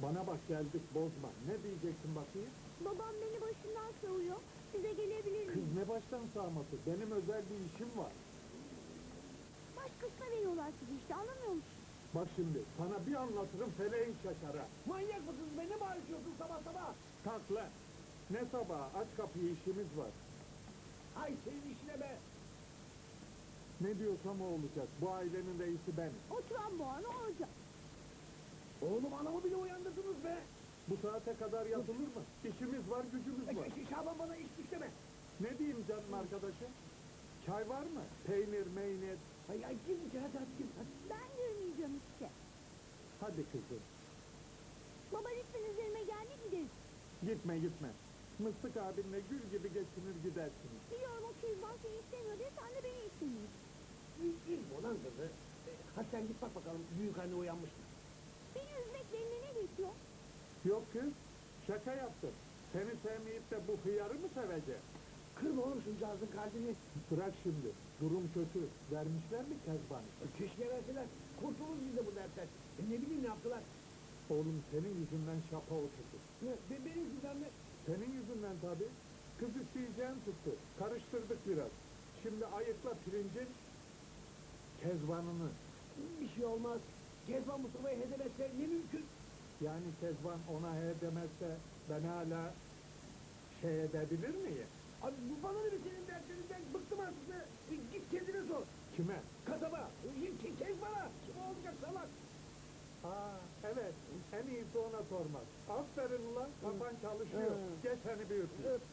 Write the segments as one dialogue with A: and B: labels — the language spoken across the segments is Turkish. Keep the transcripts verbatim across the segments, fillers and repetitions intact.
A: Bana bak geldik bozma. Ne diyeceksin bakayım?
B: Babam beni başından savuyor. Size gelebilir
A: Kız
B: miyim?
A: ne baştan sağması? Benim özel bir işim var.
B: Başkasına veriyorlar sizi işte, anlamıyor musun?
A: Bak şimdi sana bir anlatırım feleğin şaşara.
C: Manyak mısın? Beni mi bağırıyorsun sabah sabah?
A: Kalk lan. Ne sabah aç kapıyı işimiz var.
C: Ay senin işine be!
A: Ne diyorsam o olacak. Bu ailenin reisi benim.
B: Oturan bu an olacak.
C: Oğlum anamı bile uyandırdınız be!
A: Bu saate kadar yapılır mı? İşimiz var, gücümüz var.
C: E, Şaban bana iş güç deme!
A: Ne diyeyim canım arkadaşım? Çay var mı? Peynir, meynir.
C: Ay ay gir içeri hadi hadi gir hadi.
B: Ben görmeyeceğim işte.
A: Hadi kızım.
B: Baba lütfen üzerime gelme, gideriz.
A: Gitme gitme. Mıstık abinle gül gibi geçinir gidersiniz.
B: Biliyorum o Kezban seni istemiyor diye sen de beni istemiyorsun.
C: İlk olan kızı. E, hadi sen git bak bakalım büyük anne uyanmış mı?
B: Beni üzmek benimle ne geçiyor?
A: Yok kız. Şaka yaptım. Seni sevmeyip de bu hıyarı mı sevecek?
C: Kırma oğlum şuncağızın kalbini.
A: Bırak şimdi. Durum kötü. Vermişler mi Kezban'ı?
C: E, keşke verseler. Kurtuluruz biz de bu dertten. E, ne bileyim ne yaptılar?
A: Oğlum senin yüzünden şapa oturdu.
C: Ne? Be, benim yüzümden mi?
A: Senin yüzünden tabii. Kız isteyeceğin tuttu. Karıştırdık biraz. Şimdi ayıkla pirincin Kezban'ını.
C: Bir şey olmaz. Kezban Mustafa'yı hedef etse ne mümkün?
A: Yani Kezban ona he demezse ben hala şey edebilir miyim?
C: Abi bu bana ne be senin dertlerinden bıktım artık be. E, git kendine sor.
A: Kime?
C: Kasaba. E, ke, Kezban'a. Kim olacak salak?
A: Aa evet. En iyisi ona sormak. Aferin ulan. Kafan çalışıyor.
C: Hı.
A: Geç seni bir öpeyim.
C: Öp.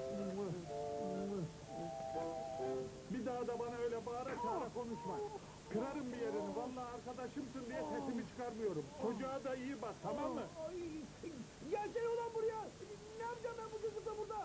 A: Bir daha da bana öyle bağıra çağıra konuşma. Kırarım bir yerini. Vallahi arkadaşımsın diye sesimi çıkarmıyorum. Çocuğa da iyi bak, tamam mı?
C: Ay, gelsene ulan buraya. Ne yapacağım ben bu çocukla burada?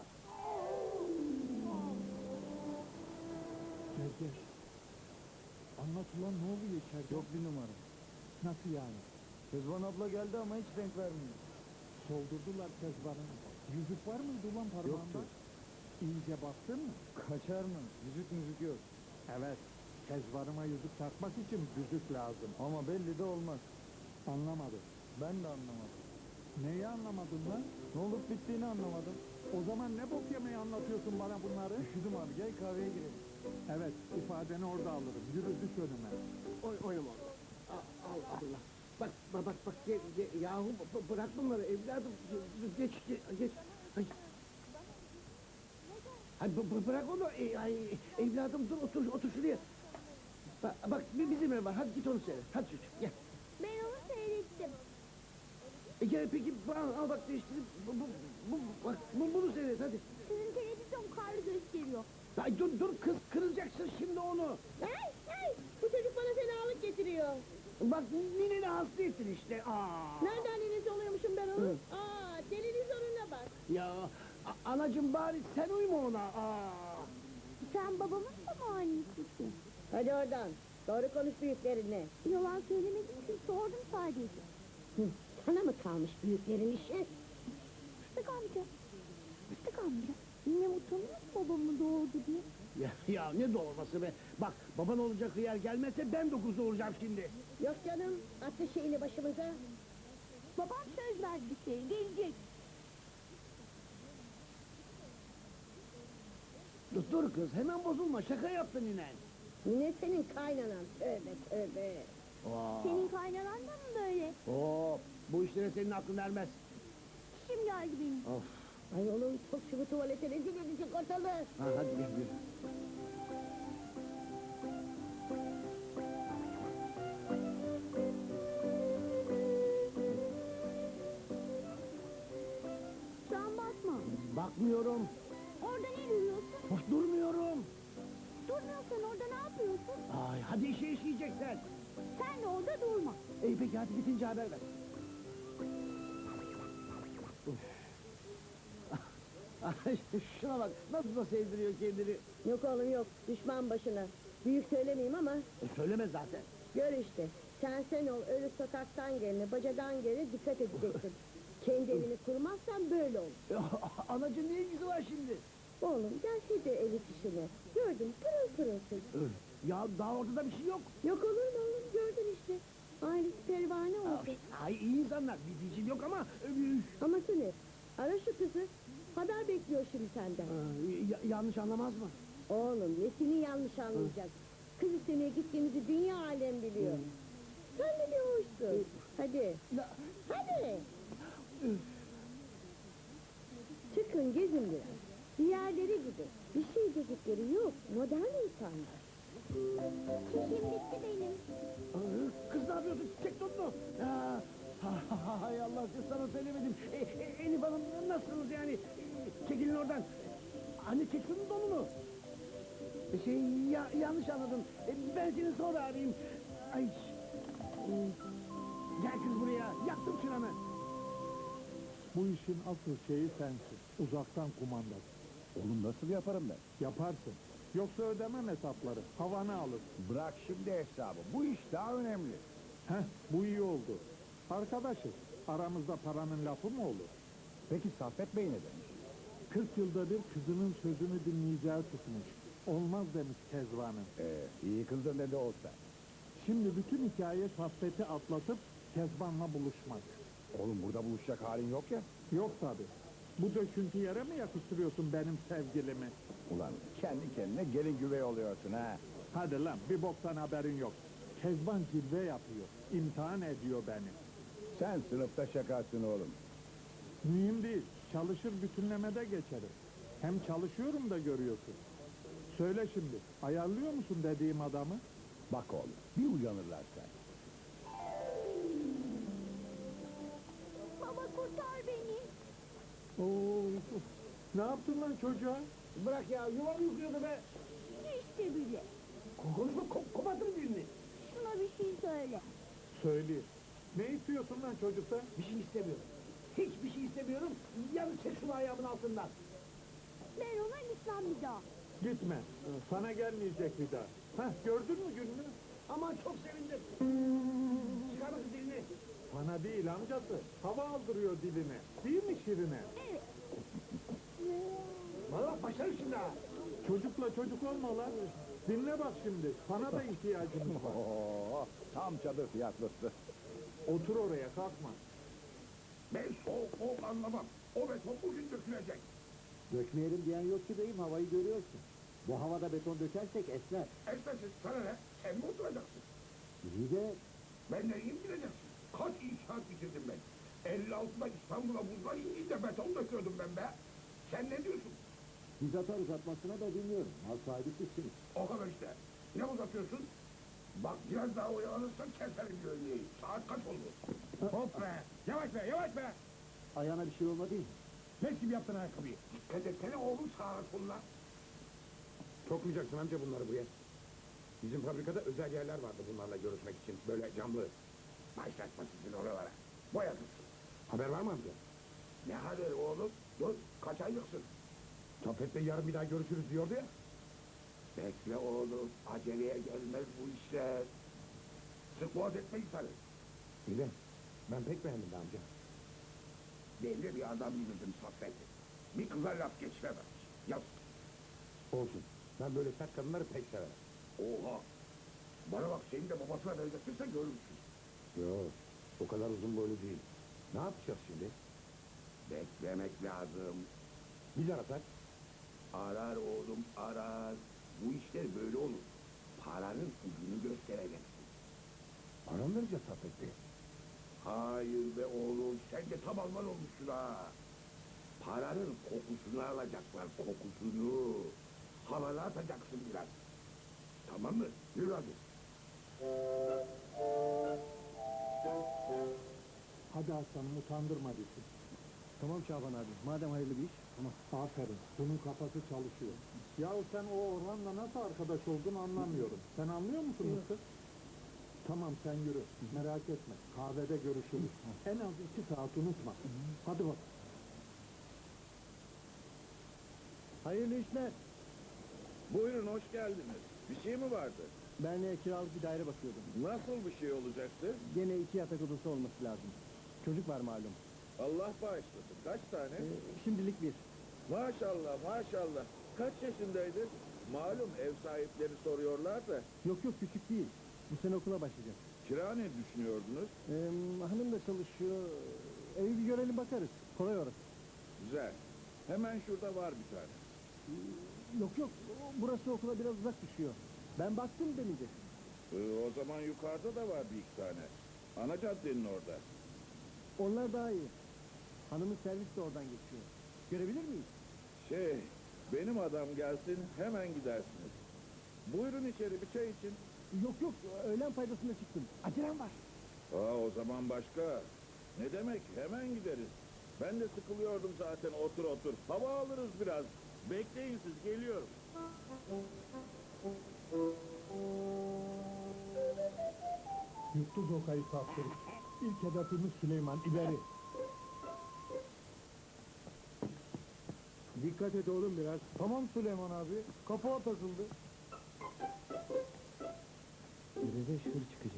A: Gel gel. Anlat ulan ne oluyor içeride?
D: Yok bir numara.
A: Nasıl yani?
D: Kezban abla geldi ama hiç renk vermiyor.
A: Soldurdular Kezban'ı. Yüzük var mıydı ulan parmağında?
D: Yoktu.
A: İyice baktın mı?
D: Kaçar mı? Yüzük müzik yok.
A: Evet. Kezban'ıma yüzük takmak için yüzük lazım.
D: Ama belli de olmaz.
A: Anlamadım.
D: Ben de anlamadım.
A: Neyi anlamadın lan?
D: Ne olup bittiğini anlamadım.
A: O zaman ne bok yemeği anlatıyorsun bana bunları?
D: Üşüdüm abi gel kahveye girelim.
A: Evet, ifadeni orada alırım. Yürü düş önüme.
C: Oy, oynama oğlum. Al, al abla. Bak bak bak bak ge, ge, yahu b- bırak bunları evladım. Geç geç geç. Ay. Ay b- b- bırak onu. E, ay, evladım dur otur otur şuraya. Bak, bak bir bizim ev var. Hadi git onu seyret. Hadi çocuk gel.
B: Ben onu seyrettim.
C: E gel peki al, al bak değiştirip bu, bu, bu, bak bu, bunu seyret hadi.
B: Sizin televizyon karlı gösteriyor.
C: Ay dur dur kız kırılacaksın şimdi onu.
B: Hey hey! Bu çocuk bana fenalık getiriyor.
C: Bak nineni hasta ettin işte. Aa.
B: Nereden anneniz oluyormuşum ben
C: Hı.
B: onun? Aa, televizyonuna bak.
C: Ya a- anacım bari sen uyma ona. Aa.
B: Sen babamın da mı annesisin?
E: Hadi oradan. Doğru konuş büyüklerinle.
B: Yalan söylemedim ki, sordum sadece.
E: Hı, sana mı kalmış büyüklerin işi?
B: Fıstık amca. Fıstık amca. Yine utanıyor mu babamı doğurdu diye?
C: Ya, ya ne doğurması be. Bak baban olacak hıyar gelmezse ben dokuz olacağım şimdi.
E: Yok canım. Attı şeyini başımıza.
B: Babam söz verdi bir şey, gelecek.
C: Dur, dur kız hemen bozulma şaka yaptın inen.
E: Yine senin kaynanan. Tövbe tövbe.
C: Aa.
B: Senin kaynanan da mı böyle?
C: Oo, bu işlere senin aklın ermez.
B: Kim geldi benim?
C: Of.
E: Ay oğlum çok şu tuvalete rezil edecek ortalığı.
C: Ha, hadi gel yürü.
B: Sen bakma.
C: Bakmıyorum.
B: Orada ne duruyorsun?
C: Of, durmuyorum.
B: Durmuyorsan orada ne yapıyorsun?
C: Ay hadi işe işleyeceksen.
B: Sen de orada durma.
C: İyi peki hadi bitince haber ver. Ay, şuna bak nasıl da sevdiriyor kendini.
E: Yok oğlum yok. Düşman başına. Büyük söylemeyeyim ama
C: E, söyleme zaten.
E: gör işte. Sen sen ol öyle sokaktan gelene, bacadan gelene dikkat edeceksin. Kendi evini kurmazsan böyle olur.
C: E, Anacığım ne ilgisi var şimdi?
E: Oğlum gelse de ev işine. Gördüm pırıl pırılsın.
C: Ya daha ortada bir şey yok.
E: Yok olur mu oğlum gördün işte. Ailesi pervane oldu.
C: Ay iyi insanlar, bir diyeceğim yok ama... üf,
E: Aması ne? Ara şu kızı. Haber bekliyor şimdi senden.
C: aa, ya- yanlış anlamaz mı?
E: Oğlum nesini yanlış anlayacak? Kız istemeye gittiğimizi dünya alem biliyor. Sen de bir hoşsun. Hadi.
C: La-
E: Hadi.
C: üf,
E: Çıkın gezin biraz. Diğerleri gibi. Bir şey dedikleri yok. Modern insanlar.
B: Çişim bitti benim.
C: aa, Kız ne yapıyorsun? Çek donunu. Aa, ha- hay Allah, kız sana söylemedim. E, e, Elif Hanım nasılsınız yani? E, çekilin oradan. Anne çek şunun donunu. E, Şey ya, yanlış anladın. E, ben seni sonra arayayım. Ay. e, Gel kız buraya. Yaktım çıranı.
A: Bu işin asıl şeyi sensin. Uzaktan kumandası.
F: Oğlum nasıl yaparım ben?
A: Yaparsın. Yoksa ödemem hesapları. Havanı alır.
F: Bırak şimdi hesabı. Bu iş daha önemli.
A: Heh, bu iyi oldu. Arkadaşız. Aramızda paranın lafı mı olur?
F: Peki Saffet Bey ne demiş?
A: kırk yılda bir kızının sözünü dinleyeceği tutmuş. Olmaz demiş Kezban'ın.
F: Ee, iyi kızdır ne de olsa.
A: Şimdi bütün hikaye Saffet'i atlatıp Kezban'la buluşmak.
F: Oğlum burada buluşacak halin yok ya.
A: Yok tabi. Bu döküntü yere mi yakıştırıyorsun benim sevgilimi?
F: Ulan kendi kendine gelin güvey oluyorsun ha.
A: Hadi lan bir boktan haberin yok. Kezban cilve yapıyor. İmtihan ediyor beni.
F: Sen sınıfta şakasın oğlum.
A: Mühim değil. Çalışır bütünlemede geçerim. Hem çalışıyorum da görüyorsun. Söyle şimdi. Ayarlıyor musun dediğim adamı?
F: Bak oğlum bir uyanırlarsa.
B: Baba kurtar beni.
A: Oo, ne yaptın lan çocuğa?
C: Bırak ya, yuvam yıkıyordu be.
B: İşte bile.
C: Konuşma, ko- kopartırım dilini.
B: Şuna bir şey söyle.
A: Söyleyeyim. Ne istiyorsun lan çocukta?
C: Bir şey istemiyorum. Hiçbir şey istemiyorum. Yalnız çek şunu ayağımın altından.
B: Ben ona gitmem bir daha.
A: Gitme. Sana gelmeyecek bir daha. Hah gördün mü gününü?
C: Aman çok sevindim. Çıkar bakın dilini.
A: Bana değil amcası. Hava aldırıyor diline. Değil mi Şirine?
B: Evet.
C: Bana bak başlarım şimdi ha.
A: Çocukla çocuk olma lan. Dinle bak şimdi. Sana da ihtiyacımız var.
F: Oo, tam çadır fiyatlısı.
A: Otur oraya kalkma.
G: Ben soğuk soğuk anlamam. O beton bugün dökülecek.
D: Dökmeyelim diyen yok ki beyim, havayı görüyorsun. Bu havada beton dökersek esner.
G: Esmesin sana ne? Sen mi oturacaksın?
D: İyi de
G: Ben neyim bileceksin? Kaç inşaat bitirdim ben. elli altıda İstanbul'a buzlar indiğinde beton döküyordum ben be. Sen ne diyorsun?
D: biz atarız atmasına da bilmiyorum. Mal sahibi sizsiniz.
G: O kadar işte. Ne uzatıyorsun? Bak biraz daha oyalanırsan keserim gölgeyi. Saat kaç oldu? Hop be! Yavaş be, yavaş be!
D: Ayağına bir şey olmadı değil mi?
G: Leş gibi yaptın ayakkabıyı. Dikkat etsene oğlum sağa sola. Sokmayacaksın amca bunları buraya. Bizim fabrikada özel yerler vardı bunlarla görüşmek için. Böyle camlı. Başlatma sizin oralara. Boyadık. Haber var mı amca? Ne haber oğlum? Dur, kaç aylıksın? Saffet'le yarın bir daha görüşürüz diyordu ya. Bekle oğlum, aceleye gelmez bu işler. Sık boğaz etme insanı.
F: İyi ben pek beğendim be amca.
G: Ben de bir adam bilirdim Saffet'i. Bir kıza laf geçiremez. Yaz.
F: Olsun. Ben böyle sert kadınları pek severim.
G: Oha! Bana bak seni de babasına benzetirse görürsün.
F: Yok o kadar uzun boylu değil. Ne yapacağız şimdi?
G: Beklemek lazım.
F: Biz arasak.
G: Arar oğlum arar. Bu işler böyle olur. Paranın ucunu göstereceksin.
F: Ara mı vereceğiz Saffet Bey?
G: Hayır be oğlum sen de tam Alman olmuşsun ha. Paranın kokusunu alacaklar kokusunu. Havalı atacaksın biraz. Tamam mı? Yürü hadi.
A: Hadi aslanım utandırma bizi.
D: Tamam Şaban abi, madem hayırlı bir iş. Tamam.
A: Aferin. Bunun kafası çalışıyor. Yahu sen o Orhan'la nasıl arkadaş oldun anlamıyorum. Sen anlıyor musun Mısır? Tamam sen yürü. Merak etme. Kahvede görüşürüz. En az iki saat unutma. Hadi bak.
D: Hayırlı işler.
H: Buyurun hoş geldiniz. Bir şey mi vardı?
D: Ben e, kiralık bir daire bakıyordum.
H: Nasıl bir şey olacaktı?
D: Gene iki yatak odası olması lazım. Çocuk var malum.
H: Allah bağışlasın. Kaç tane?
D: E, şimdilik bir.
H: Maşallah maşallah. Kaç yaşındaydı? Malum ev sahipleri soruyorlar da.
D: Yok yok küçük değil.
C: Bu sene okula başlayacak.
H: Kira ne düşünüyordunuz?
C: Ee, hanım da çalışıyor. Evi bir görelim bakarız. Kolay orası.
H: Güzel. Hemen şurada var bir tane.
C: Yok yok. Burası okula biraz uzak düşüyor. Ben baktım demeyecek.
H: Ee, o zaman yukarıda da var bir iki tane. Ana caddenin orada.
C: Onlar daha iyi. Hanımın servis de oradan geçiyor. Görebilir miyiz?
H: Şey, benim adam gelsin hemen gidersiniz. Buyurun içeri bir çay için.
C: Yok yok. Öğlen faydasında çıktım. Acelem var.
H: Aa, o zaman başka. Ne demek, hemen gideriz. Ben de sıkılıyordum zaten, otur otur. Hava alırız biraz. Bekleyin siz, geliyorum.
A: Yuttu zokayı saftirik. İlk hedefimiz Süleyman, ileri. Dikkat et oğlum biraz. Tamam Süleyman abi, kapağa takıldı.
C: Birede şır çıkacak.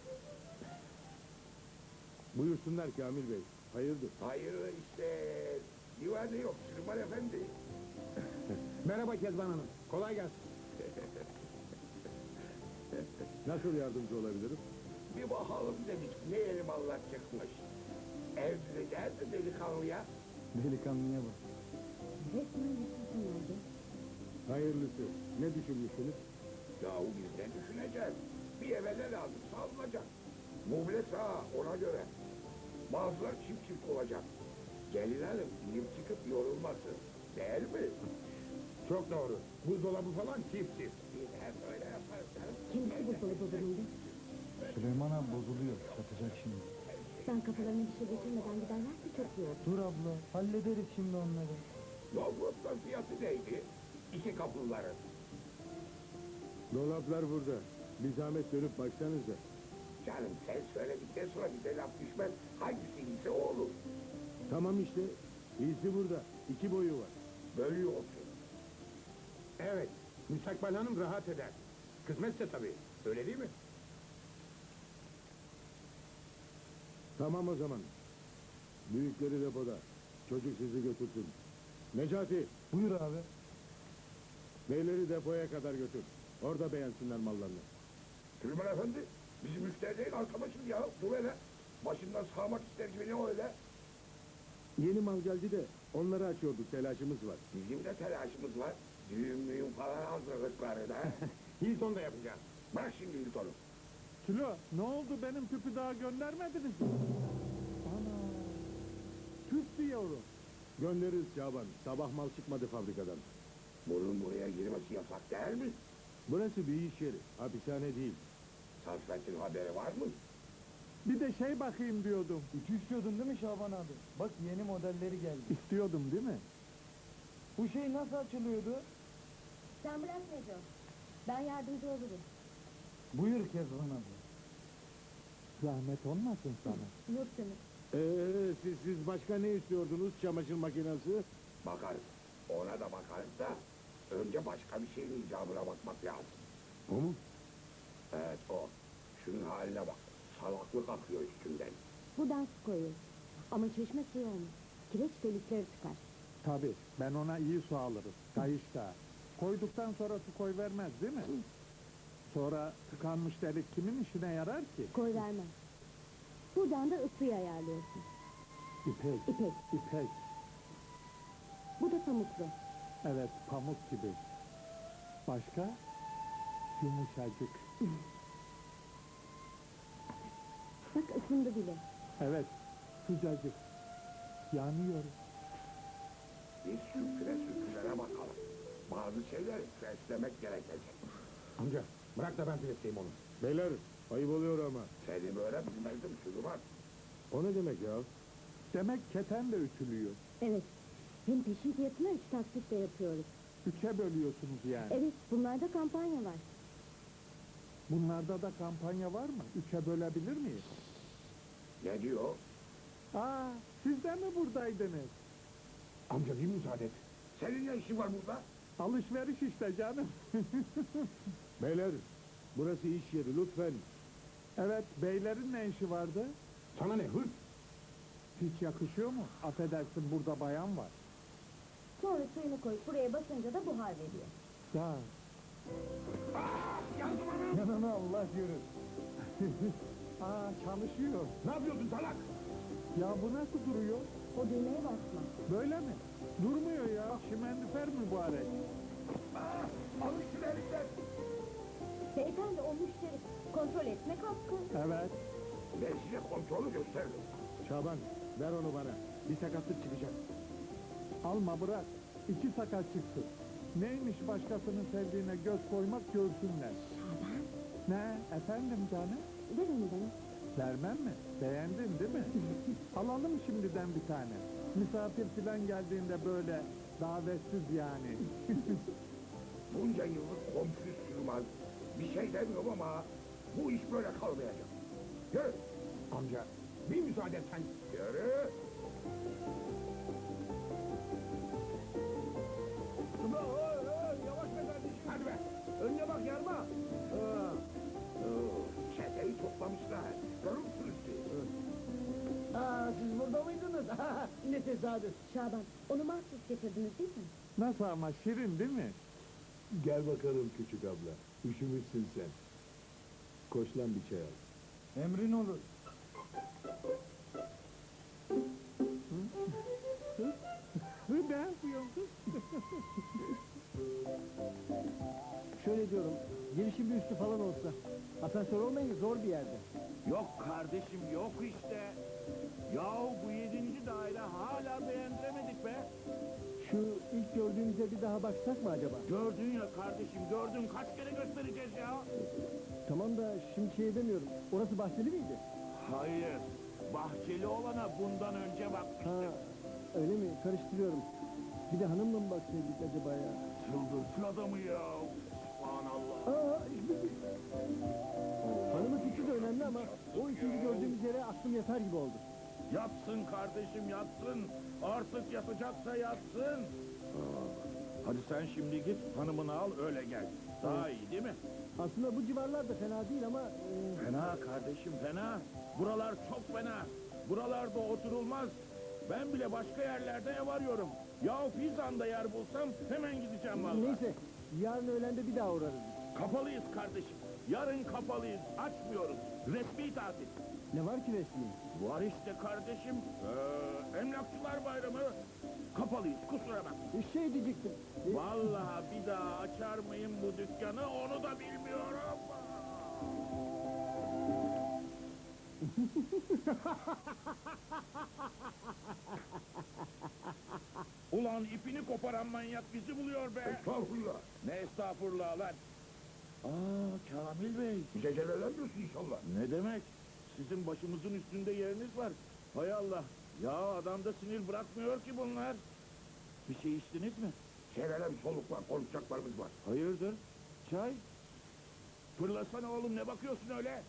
F: Buyursunlar Kamil Bey. Hayırdır?
G: Hayır işte. Güvenli yok Süleyman Efendi.
A: Merhaba Kezban Hanım, kolay gelsin.
F: Nasıl yardımcı olabilirim?
G: Bir bakalım dedik ne elim Allah çıkmış. Evleneceğiz de delikanlıya.
C: Delikanlıya bak.
E: Resmen yüzsüzsün oldu.
F: Hayırlısı. Ne düşünmüşsünüz?
G: Yahu biz ne düşüneceğiz? Bir eve ne lazım alınacak. Muble sağa ona göre. Bazılar çift çift olacak. Gelin hanım inip çıkıp yorulmasın. Değil mi?
F: Çok doğru. Buzdolabı falan çift çift.
G: Biz hep öyle yaparız. canım.
E: Kendisi buzdolabı bölümünde.
C: Süleyman abi bozuluyor. Satacak şimdi.
E: Sen kafalarına bir şey getirmeden giderlerse çok iyi olur.
C: Dur abla. Hallederiz şimdi onları.
G: Dolapların fiyatı neydi? İki kapıların.
F: Dolaplar burada. Bir zahmet dönüp baksanıza.
G: Canım sen söyledikten sonra bize laf düşmez. Hangisi iyisi o olur.
F: Tamam işte. İyisi burada. İki boyu var.
G: Bölüyorsun.
A: Evet, müstakbel hanım rahat eder. Kısmetse tabii, öyle değil mi?
F: Tamam o zaman. Büyükleri depoda. Çocuk sizi götürsün. Necati,
C: Buyur abi.
F: beyleri depoya kadar götür. Orada beğensinler mallarını.
G: Süleyman Efendi, bizim müşteri değil arkadaşım ya. Dur hele. Başından sağmak ister gibi ne öyle?
F: Yeni mal geldi de onları açıyorduk. Telaşımız var.
G: Bizim de telaşımız var. Düğün müğün falan hazırlıkları da.
A: Hilton da yapacağız.
G: Bırak şimdi Hilton'u.
A: Sülo, ne oldu benim tüpü daha göndermediniz mi? Ana, tüp diyorum.
F: Göndeririz Şaban. Sabah mal çıkmadı fabrikadan.
G: Bunun buraya girmesi yasak değil mi?
F: Burası bir iş yeri. Hapishane değil.
G: Saffet'in haberi var mı?
A: Bir de şey bakayım diyordum.
C: Ütü istiyordun değil mi Şaban abi? Bak yeni modelleri geldi.
A: İstiyordum değil mi?
C: Bu şey nasıl açılıyordu?
E: Sen bırak Neco. Ben yardımcı olurum.
C: Buyur Kezban abi.
A: Zahmet olmasın sana.
E: Yok canım.
F: Ee, siz, siz başka ne istiyordunuz? Çamaşır makinesi?
G: Bakarız. Ona da bakarız da önce başka bir şeyin icabına bakmak lazım.
F: O mu?
G: Evet o. Şunun haline bak. Salaklık akıyor üstünden.
E: Buradan su koyuyoruz. Ama çeşme suyu olmaz. Kireç delikleri çıkar.
A: Tabii, ben ona iyi su alırım. Kayışta. Koyduktan sonra su koy vermez değil mi? Sonra tıkanmış delik kimin işine yarar ki?
E: Koy vermez. Buradan da ısıyı ayarlıyorsun.
A: İpek,
E: İpek.
A: ipek.
E: Bu da pamuklu.
A: Evet, pamuk gibi. Başka? Yumuşacık.
E: Bak ısındı bile.
A: Evet, sıcacık. Yanıyor.
G: Biz sürküle sürkülere bakalım. Bazı şeyleri preslemek gerekecek.
A: Amca, bırak da ben piletleyeyim onu.
F: Beyler, ayıp oluyor ama.
G: Seni böyle bilmezdim Süleyman.
F: O ne demek ya?
A: Demek keten de ütülüyor.
E: Evet. Hem peşin fiyatına üç taksitle yapıyoruz.
A: Üçe bölüyorsunuz yani.
E: Evet, bunlarda kampanya var.
A: Bunlarda da kampanya var mı? Üçe bölebilir miyiz?
G: Ne diyor?
A: Aa, siz de mi buradaydınız?
G: Amca bir müsaade et. Senin ne işin var burada?
A: Alışveriş işte canım.
F: Beyler, burası iş yeri lütfen.
A: Evet, beylerin ne işi vardı?
G: Sana ne hırs?
A: Hiç yakışıyor mu? Affedersin, burada bayan var.
E: Sonra suyunu koyup buraya basınca da buhar veriyor.
A: Ya,
G: Ah Yazdım anam.
A: Yanına Allah yürür. Aa çalışıyor.
G: Ne yapıyorsun salak?
A: Ya bu nasıl duruyor?
B: O düğmeye basma.
A: Böyle mi? Durmuyor ya. Şimendifer mübarek.
G: Aa, alın şunu elinden.
B: Beyefendi o müşteri. Kontrol etmek hakkı.
A: Evet.
G: Ben size kontrolü gösteririm.
A: Şaban ver onu bana. Bir sakatlık çıkacak. Alma bırak. İki sakat çıksın. Neymiş başkasının sevdiğine göz koymak görsünler.
B: Şaban.
A: Ne? Efendim canım?
B: Ver onu bana.
A: Vermem mi? Beğendin değil mi? Alalım şimdiden bir tane. Misafir filan geldiğinde böyle davetsiz yani.
G: Bunca yıllık komşu sürmez. Bir şey demiyorum ama bu iş böyle kalmayacak. Yürü. Amca bir müsaade et sen. Yürü.
C: Dur, oy, oy, yavaş be kardeşim.
G: Hadi be.
C: Önüne bak yarma. Ha.
G: Çeteyi toplamışlar. Görür müsünüz siz?
C: Aa, siz burada mıydınız? Ne tesadüf.
B: Şaban onu mahsus getirdiniz değil mi?
A: Nasıl ama şirin değil mi?
F: Gel bakalım küçük abla. Üşümüşsün sen. Koş lan bir çay al.
A: Emrin olur. Ne yapıyorsun?
C: Şöyle diyorum, girişi bir üstü falan olsa. Asansör olmayınca zor bir yerde.
H: Yok kardeşim yok işte. Yahu bu yedinci daire hala beğendiremedik be.
C: Şu ilk gördüğümüze bir daha baksak mı acaba?
H: Gördün ya kardeşim gördün kaç kere göstereceğiz ya.
C: Tamam da şimdi şey demiyorum. Orası bahçeli miydi?
H: Hayır. Bahçeli olana bundan önce
C: Ha,
H: bakmıştık.
C: öyle mi? Karıştırıyorum. Bir de hanımla mı baksaydık acaba ya?
H: Çıldırtın adamı ya. Subhanallah.
C: Aa, hanımın fikri de önemli ama o ikinci gördüğümüz yere aklım yatar gibi oldu.
H: Yatsın kardeşim yatsın. Artık yatacaksa yatsın. Aa, hadi sen şimdi git hanımını al öyle gel. Daha iyi değil mi?
C: Aslında bu civarlar da fena değil ama... e,
H: Fena kardeşim fena. Buralar çok fena. Buralarda oturulmaz. Ben bile başka yerlerde ev arıyorum. Ya Fizan'da yer bulsam hemen gideceğim vallahi.
C: neyse, yarın öğlende bir daha uğrarız.
H: Kapalıyız kardeşim. Yarın kapalıyız. Açmıyoruz. Resmi tatil.
C: Ne var ki resmi?
H: Var işte kardeşim. Ee, Emlakçılar Bayramı. Kapalıyız. Kusura bakma.
C: Şey diyecektim. e,
H: Vallahi bir daha açar mıyım bu dükkanı onu da bilmiyorum. Ulan ipini koparan manyak bizi buluyor be.
G: Estağfurullah.
H: Ne estağfurullah lan. Aa Kamil Bey.
G: Gecelerlenmiyorsun inşallah.
H: Ne demek? Sizin başımızın üstünde yeriniz var. Hay Allah. Ya adamda sinir bırakmıyor ki bunlar. Bir şey içtiniz mi?
G: Çevrele bir soluk var, konuşacaklarımız var.
H: Hayırdır? Çay? Fırlasana oğlum ne bakıyorsun öyle?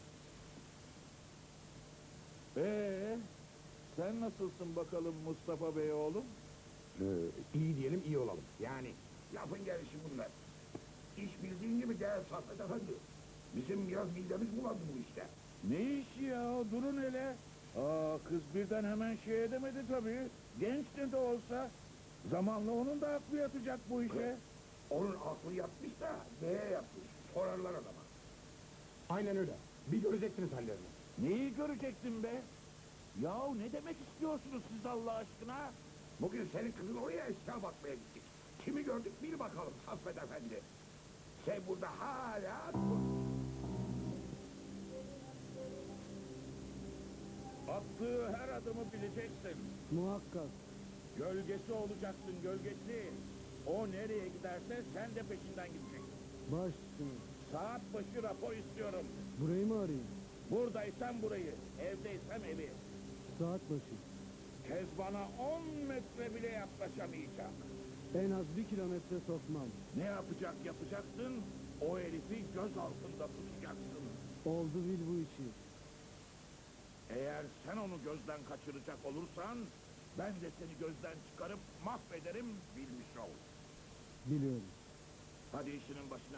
H: Ee, sen nasılsın bakalım Mustafa Bey oğlum?
G: Ee, iyi diyelim, iyi olalım. Yani lafın gelişi bunlar. İş bildiğin gibi değer Saffet Efendi. Bizim biraz midemiz bulandı bu işte.
H: Ne işi ya? Durun hele. Aa, kız birden hemen şey edemedi tabii. Genç de de olsa. Zamanla onun da aklı yatacak bu işe.
G: Onun aklı yatmış da neye yatmış? Sorarlar adama.
F: Aynen öyle. Bir göreceksiniz hallerini.
H: Neyi görecektin be? Yahu ne demek istiyorsunuz siz Allah aşkına?
G: Bugün senin kızın oraya eşya bakmaya gittik. Kimi gördük bil bakalım Saffet Efendi. Sen burada hala dur.
H: Attığı her adımı bileceksin.
C: Muhakkak.
H: Gölgesi olacaksın gölgesi. O nereye giderse sen de peşinden gideceksin.
C: Baş üstüne.
H: Saat başı rapor istiyorum.
C: Burayı mı arayayım?
H: Buradaysan burayı, evdeysem evi.
C: Saat başı.
H: Kezban'a on metre bile yaklaşamayacak.
C: En az bir kilometre sokmam.
H: Ne yapacak yapacaksın? O herifi göz altında tutacaksın.
C: Oldu bil bu işi.
H: Eğer sen onu gözden kaçıracak olursan, ben de seni gözden çıkarıp mahvederim bilmiş ol.
C: Biliyorum.
H: Hadi işinin başına.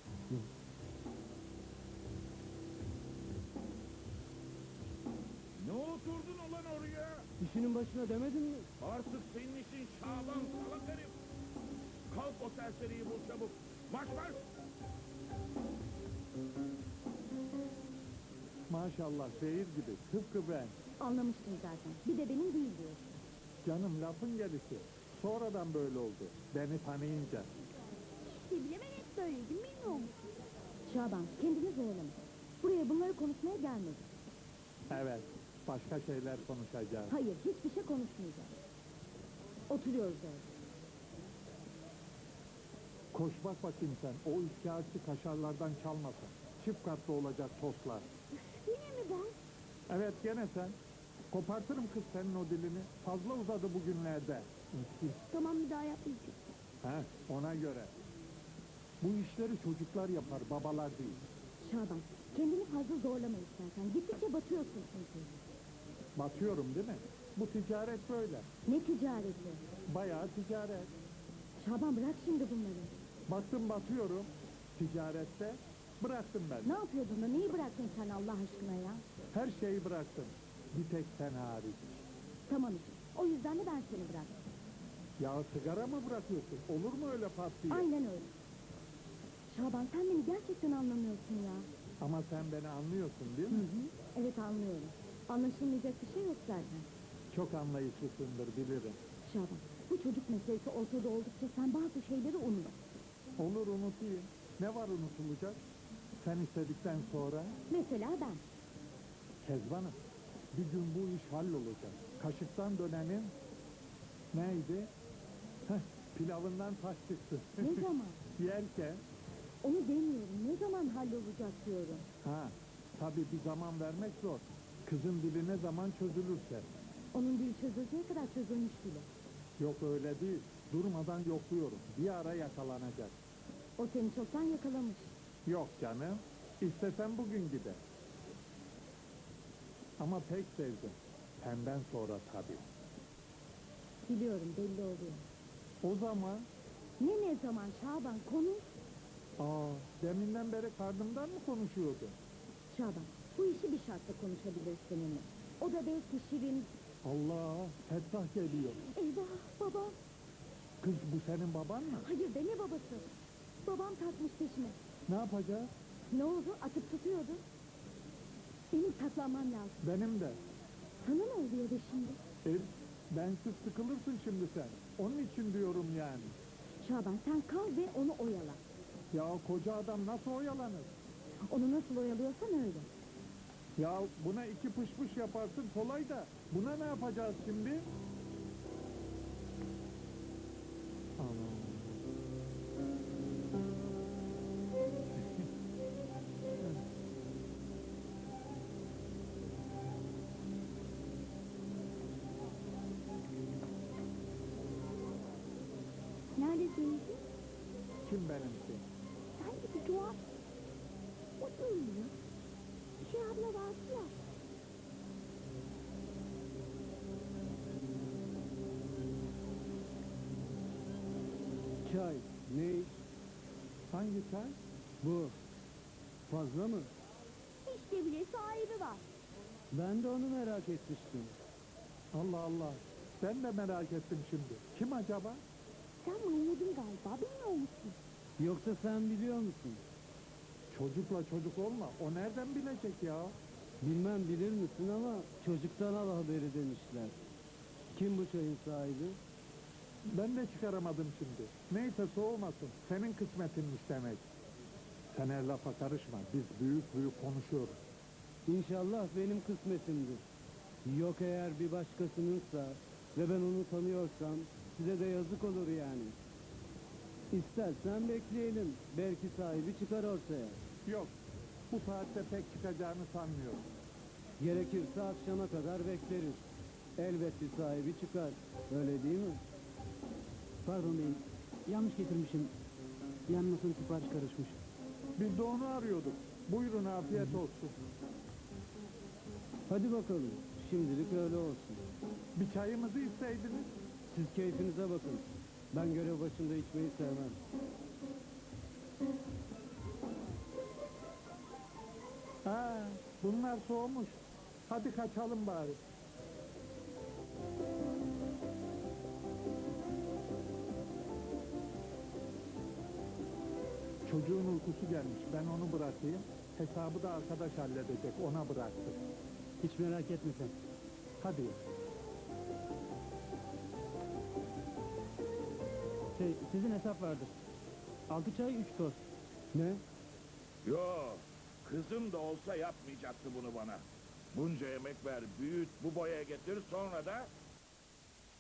H: Ne oturdun ulan oraya?
C: İşinin başına demedin mi?
H: Artık senin işin Şaban salak herif. Kalk o serseriyi bul çabuk. Marş marş.
A: Maşallah şehir gibi, tıpkı ben.
B: Anlamıştım zaten. Bir de benim değil diyorsun.
A: Canım lafın gelişi. Sonradan böyle oldu. Beni tanıyınca.
B: İşte bile ben hep böyleydim, bilmiyor musun? Şaban, kendini zorlama. Buraya bunları konuşmaya gelmedik.
A: Evet, başka şeyler konuşacağız.
B: Hayır, hiçbir şey konuşmayacağız. Oturuyoruz öyle.
A: Koş bak bakayım sen, o üçkağıtçı kaşarlardan çalmasın. Çift katlı olacak tostlar.
B: Yine mi ben?
A: Evet, gene sen. Kopartırım kız senin o dilini. Fazla uzadı bugünlerde.
B: Tamam, bir daha yapmayacağım.
A: He, ona göre. Bu işleri çocuklar yapar, babalar değil.
B: Şaban, kendini fazla zorlama istersen. Gittikçe batıyorsun çünkü.
A: Batıyorum değil mi? Bu ticaret böyle.
B: Ne ticareti?
A: Bayağı ticaret.
B: Şaban, bırak şimdi bunları.
A: Baktım batıyorum. Ticarette bıraktım ben.
B: Ne yapıyordun da neyi bıraktın sen Allah aşkına ya?
A: Her şeyi bıraktım. Bir tek sen hariç.
B: Tamam işte. O yüzden de ben seni bıraktım.
A: Ya sigara mı bırakıyorsun? Olur mu öyle pat diye?
B: Aynen öyle. Şaban, sen beni gerçekten anlamıyorsun ya.
A: Ama sen beni anlıyorsun değil
B: Hı
A: mi?
B: hı. Evet, anlıyorum. Anlaşılmayacak bir şey yok zaten.
A: Çok anlayışlısındır bilirim.
B: Şaban, bu çocuk meselesi ortada oldukça sen bazı şeyleri unut.
A: Olur unutayım. Ne var unutulacak? Sen istedikten sonra
B: Mesela ben.
A: Kezban'ım. Bir gün bu iş hallolacak. Kaşıktan dönenin neydi? Heh, pilavından taş çıktı.
B: Ne zaman?
A: Yerken
B: Onu demiyorum. Ne zaman hallolacak diyorum.
A: ha tabii bir zaman vermek zor. Kızın dili ne zaman çözülürse.
B: Onun dil çözüleceği kadar çözülmüş bile.
A: Yok öyle değil. Durmadan yokluyorum. Bir ara yakalanacak.
B: O seni çoktan yakalamış.
A: Yok canım. İstesem bugün gider. Ama pek sevdim. Senden sonra tabii.
B: Biliyorum, belli oluyor.
A: O zaman
B: Ne ne zaman Şaban, konuş.
A: aa deminden beri karnımdan mı konuşuyordun?
B: Şaban, bu işi bir şartla konuşabilir seninle. O da belki Şirin.
A: Allah, Fettah geliyor.
B: Eyvah, baba.
A: Kız bu senin baban mı?
B: Hayır be, ne babası? Babam takmış peşime.
A: Ne yapacağız?
B: Ne oldu? Atıp tutuyordu. Benim saklanmam lazım.
A: Benim de.
B: Sana ne oluyor be şimdi?
A: E, bensiz sıkılırsın şimdi sen. Onun için diyorum yani.
B: Şaban, sen kal ve onu oyala.
A: Ya koca adam nasıl oyalanır?
B: Onu nasıl oyalıyorsan öyle.
A: Ya buna iki pış pış yaparsın kolay da. Buna ne yapacağız şimdi? Aman.
B: Neredesin?
A: Kim benimki?
B: Sen gibi tuhaf. O değil mi? Şey abla vardı ya.
C: Çay, ne?
A: Hangi çay?
C: Bu. Fazla mı?
B: İşte bile sahibi var.
C: Ben de onu merak etmiştim.
A: Allah Allah. Ben de merak ettim şimdi. Kim acaba?
B: Sen manyadın galiba, bilmiyor musun?
C: Yoksa sen biliyor musun?
A: Çocukla çocuk olma. O nereden bilecek ya?
C: Bilmem bilir misin ama çocuktan al haberi demişler. Kim bu çayın sahibi?
A: Ben de çıkaramadım şimdi. Neyse soğumasın. Senin kısmetinmiş demek. Sen her lafa karışma. Biz büyük büyük konuşuyoruz.
C: İnşallah benim kısmetimdir. Yok eğer bir başkasınınsa ve ben onu tanıyorsam size de yazık olur yani. İstersen bekleyelim. Belki sahibi çıkar ortaya.
A: Yok. Bu saatte pek çıkacağını sanmıyorum.
C: Gerekirse akşama kadar bekleriz. Elbet bir sahibi çıkar. Öyle değil mi? Pardon beyim. Yanlış getirmişim. Yanmasın sipariş karışmış.
A: Biz de onu arıyorduk. Buyurun afiyet olsun.
C: Hadi bakalım. Şimdilik öyle olsun.
A: Bir çayımızı isteydiniz.
C: Siz keyfinize bakın. Ben görev başında içmeyi sevmem.
A: Ha, bunlar soğumuş. Hadi kaçalım bari. Çocuğun uykusu gelmiş. Ben onu bırakayım. Hesabı da arkadaş halledecek. Ona bıraktım.
C: Hiç merak etme sen.
A: Hadi.
C: Şey, sizin hesap vardır. Altı çay, üç tost. Ne?
H: Yo, kızım da olsa yapmayacaktı bunu bana. Bunca emek ver, büyüt, bu boya getir, sonra da